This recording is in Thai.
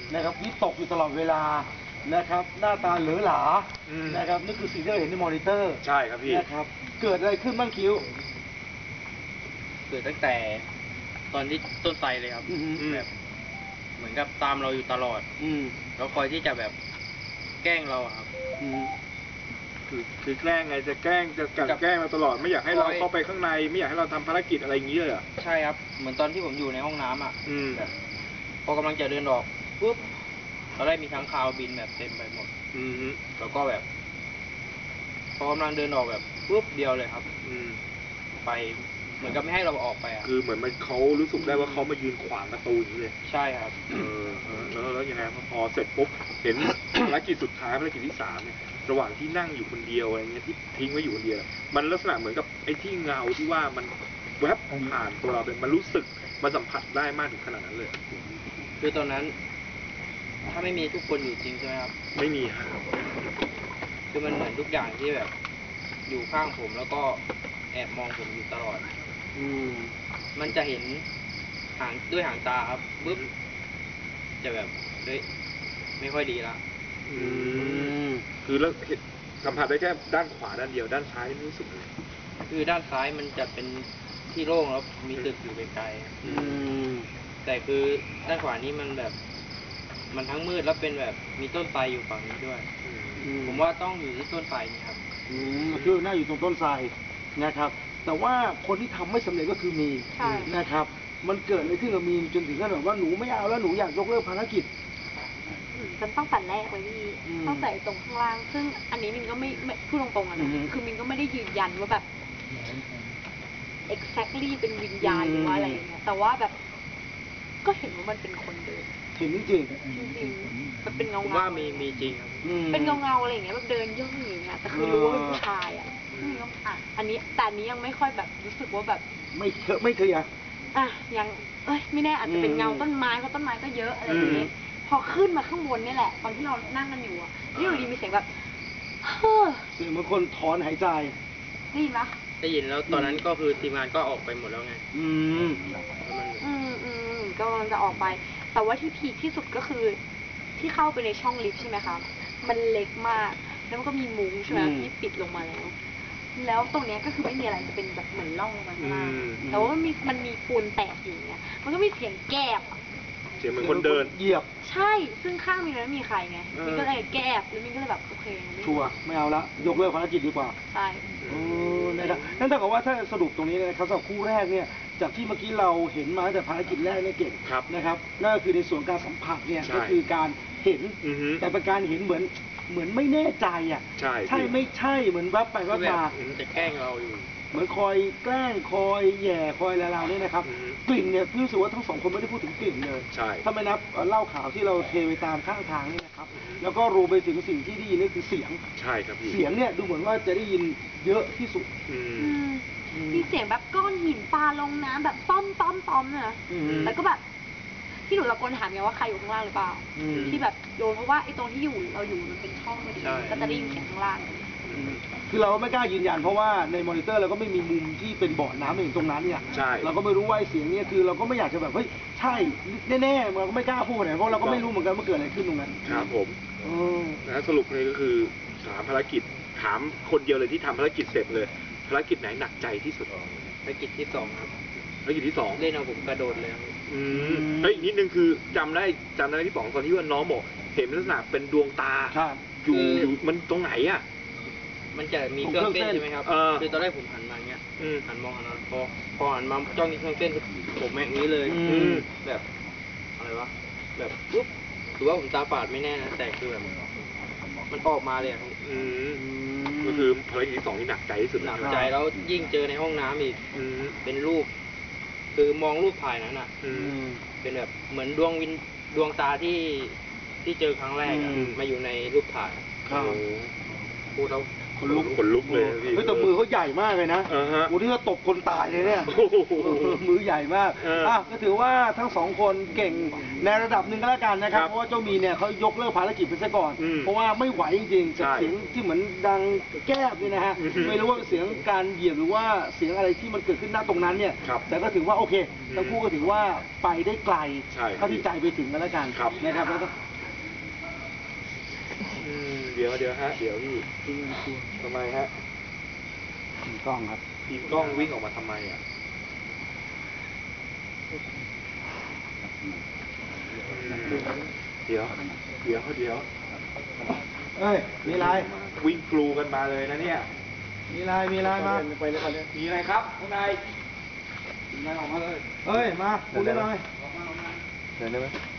นะครับวิตกอยู่ตลอดเวลานะครับหน้าตาเหลือหลานะครับนี่คือสิ่งที่เราเห็นในมอนิเตอร์ใช่ครับพี่นะครับเกิดอะไรขึ้นบ้างคิ้วเกิดตั้งแต่ตอนที่ต้นไทรเลยครับแบบเหมือนกับตามเราอยู่ตลอดแล้วคอยที่จะแบบแกล้งเราครับคือแกล้งไงจะแกล้งจะกันแกล้งเราตลอดไม่อยากให้เราเข้าไปข้างในไม่อยากให้เราทำภารกิจอะไรอย่างนี้เลยใช่ครับเหมือนตอนที่ผมอยู่ในห้องน้ำอ่ะแบบพอกำลังจะเดินออกปุ๊บเราได้มีค้างคาวบินแบบเต็มไปหมดแล้วก็แบบพอกำลังเดินออกแบบปุ๊บเดียวเลยครับไปเหมือนกับไม่ให้เราออกไปอ่ะคือเหมือนมันเขารู้สึกได้ว่าเขามายืนขวางประตูอย่างนี้เลยใช่ครับแล้วยังไงพอเสร็จปุ๊บเห็นภารกิจสุดท้ายภารกิจที่3เนี่ยระหว่างที่นั่งอยู่คนเดียวอะไรเงี้ยที่ทิ้งไว้อยู่คนเดียวมันลักษณะเหมือนกับไอ้ที่เงาที่ว่ามันแวบผ่านตัวเราเป็นมันรู้สึกมันสัมผัสได้มากถึงขนาดนั้นเลยคือตอนนั้นถ้าไม่มีทุกคนอยู่จริงใช่ไหมครับไม่มีครับคือมันเหมือนทุกอย่างที่แบบอยู่ข้างผมแล้วก็แอบมองผมอยู่ตลอดมันจะเห็นด้วยหางตาครับปุ๊บจะแบบเฮ้ยไม่ค่อยดีละคือแล้วสัมผัสได้แค่ด้านขวาด้านเดียวด้านซ้ายไม่รู้สึกเลยคือด้านซ้ายมันจะเป็นที่โล่งแล้วมีตึกอยู่ไกลๆแต่คือด้านขวานี้มันแบบมันทั้งมืดแล้วเป็นแบบมีต้นไทรอยู่ฝั่งนี้ด้วยผมว่าต้องอยู่ที่ต้นไทรนี่ครับคือน่าอยู่ตรงต้นไทรนะครับแต่ว่าคนที่ทำไม่สำเร็จก็คือมีนะครับมันเกิดอะไรขึ้นกับมีจนถึงขั้นแบบว่าหนูไม่เอาแล้วหนูอยากยกเลิกภารกิจมันต้องแต่แรกเลยพี่ต้องแต่ตรงข้างล่างซึ่งอันนี้มินก็ไม่พูดตรงๆนะคือมินก็ไม่ได้ยืนยันว่าแบบ exactly เป็นวิญญาณหรือว่าอะไรอย่างเงี้ยแต่ว่าแบบก็เห็นว่ามันเป็นคนเดินเห็นจริงมันเป็นเงาว่ามีจริงครับเป็นเงาอะไรอย่างเงี้ยแบบเดินย่องอย่างเงี้ยแต่คือรู้ว่าเป็นผู้ชายอ่ะอันนี้แต่อันนี้ยังไม่ค่อยแบบรู้สึกว่าแบบไม่เคยยังไม่แน่อาจจะเป็นเงาต้นไม้เพราะต้นไม้ก็เยอะอะไรอย่างเงี้ยพอขึ้นมาข้างบนนี่แหละตอนที่เรานั่งกันอยู่อ่ะนี่อยู่ดีมีเสียงแบบเสียงเหมือนคนถอนหายใจได้ยินปะได้ยินแล้วตอนนั้นก็คือทีมงานก็ออกไปหมดแล้วไงก็มันจะออกไปแต่ว่าที่พีคที่สุดก็คือที่เข้าไปในช่องลิฟต์ใช่ไหมคะมันเล็กมากแล้วมันก็มีมุ้งใช่ไหมที่ปิดลงมาแล้วตรงเนี้ยก็คือไม่มีอะไรจะเป็นแบบเหมือนร่องลงมาข้างล่างแต่ว่ามันมีปูนแตกอยู่เนี้ยมันก็มีเสียงแกบเสียงเหมือนคนเดินเหยียบใช่ซึ่งข้างมีนั้นมีใครไงมินก็เลยแกบแล้วมินก็เลยแบบโอเคชัวร์ไม่เอาละยกเลิกภารกิจดีกว่าใช่นะครับนั่นเท่ากับว่าถ้าสรุปตรงนี้นะครับสำหรับคู่แรกเนี่ยจากที่เมื่อกี้เราเห็นมาแต่ภารกิจแรกเนี่ยเก่งนะครับนั่นก็คือในส่วนการสัมผัสเนี่ยก็คือการเห็นแต่เป็นการเห็นเหมือนไม่แน่ใจอ่ะใช่ไม่ใช่เหมือนวับไปวับมาจะแกล้งเราอยู่เหมือนคอยแกล้งคอยแย่คอยอะไรเราเนี่ยนะครับกลิ่นเนี่ยรู้สึกว่าทั้งสองคนไม่ได้พูดถึงกลิ่นเลยถ้าไม่นับเหล้าขาวที่เราเทไปตามข้างทางนี่นะครับแล้วก็รวมไปถึงสิ่งที่ได้ยินนี่คือเสียงใช่ครับเสียงเนี่ยดูเหมือนว่าจะได้ยินเยอะที่สุดมีเสียงแบบก้อนหินปลาลงน้ำแบบต้อมนะแล้วก็แบบที่หนูตะโกนถามไงว่าใครอยู่ข้างล่างหรือเปล่าที่แบบโดนเพราะว่าไอ้ตรงที่เราอยู่มันเป็นช่องพอดีก็จะได้ยินเสียงข้างล่างคือเราไม่กล้ายืนยันเพราะว่าในมอนิเตอร์เราก็ไม่มีมุมที่เป็นบ่อน้ำอย่างตรงนั้นเนี่ยเราก็ไม่รู้ว่าเสียงนี้คือเราก็ไม่อยากจะแบบเฮ้ยใช่แน่ๆเราก็ไม่กล้าพูดเพราะเราก็ไม่รู้เหมือนกันว่าเกิดอะไรขึ้นตรงนั้นครับผมนะสรุปเลยก็คือ3ภารกิจถามคนเดียวเลยที่ทำภารกิจเสร็จเลยภารกิจไหนหนักใจที่สุดภารกิจที่2ครับภารกิจที่2 เล่นเอาผมกระโดดเลยเฮ้ยนิดนึงคือจำได้ที่2ตอนที่ว่าน้องบอกเห็นลักษณะเป็นดวงตาอยู่มันตรงไหนอ่ะมันจะมีเครื่องเส้นใช่ไหมครับคือตอนแรกผมหันมาเงี้ยหันมองหันมาพอหันมาจ้องที่เครื่องเส้นผมแม่งนี้เลยแบบอะไรวะแบบปุ๊บถือว่าผมตาฝาดไม่แน่นะแต่คือแบบมันออกมาเลยก็คือภารกิจที่2ที่หนักใจที่สุดหนักใจแล้วยิ่งเจอในห้องน้ำอีกเป็นรูปคือมองรูปถ่ายนั้นอ่ะเป็นแบบเหมือนดวงตาที่เจอครั้งแรกมาอยู่ในรูปถ่ายพูดแล้วคนลุกขนลุกเลยนะพี่เฮ้ยแต่มือเขาใหญ่มากเลยนะฮะโอ้ที่เขาตบคนตายเลยเนี่ยโอ้โหมือใหญ่มากอ่ะก็ถือว่าทั้งสองคนเก่งในระดับหนึ่งก็แล้วกันนะครับครับเพราะว่าเจ้ามีเนี่ยเขายกเลิกภารกิจไปซะก่อนอืมเพราะว่าไม่ไหวจริงๆกับใช่เสียงที่เหมือนดังแก้บนี่นะฮะอือฮึไม่รู้ว่าเป็นเสียงการเหยียบหรือว่าเสียงอะไรที่มันเกิดขึ้นณตรงนั้นเนี่ยครับแต่ก็ถือว่าโอเค ทั้งคู่ก็ถือว่าไปได้ไกลใช่เท่าที่ใจไปถึงกันแล้วกันครับนะครับแล้วก็เดี๋ยวฮะ เดี๋ยวพี่ทำไมฮะกล้องครับทีมกล้องวิ่งออกมาทำไมอ่ะเดี๋ยวเอ้ยมีอะไรวิ่งกลูกันมาเลยนะเนี่ยมีอะไรมามีอะไรครับข้างในเอ้ยมาคุยกันหน่อยเดินได้ไหม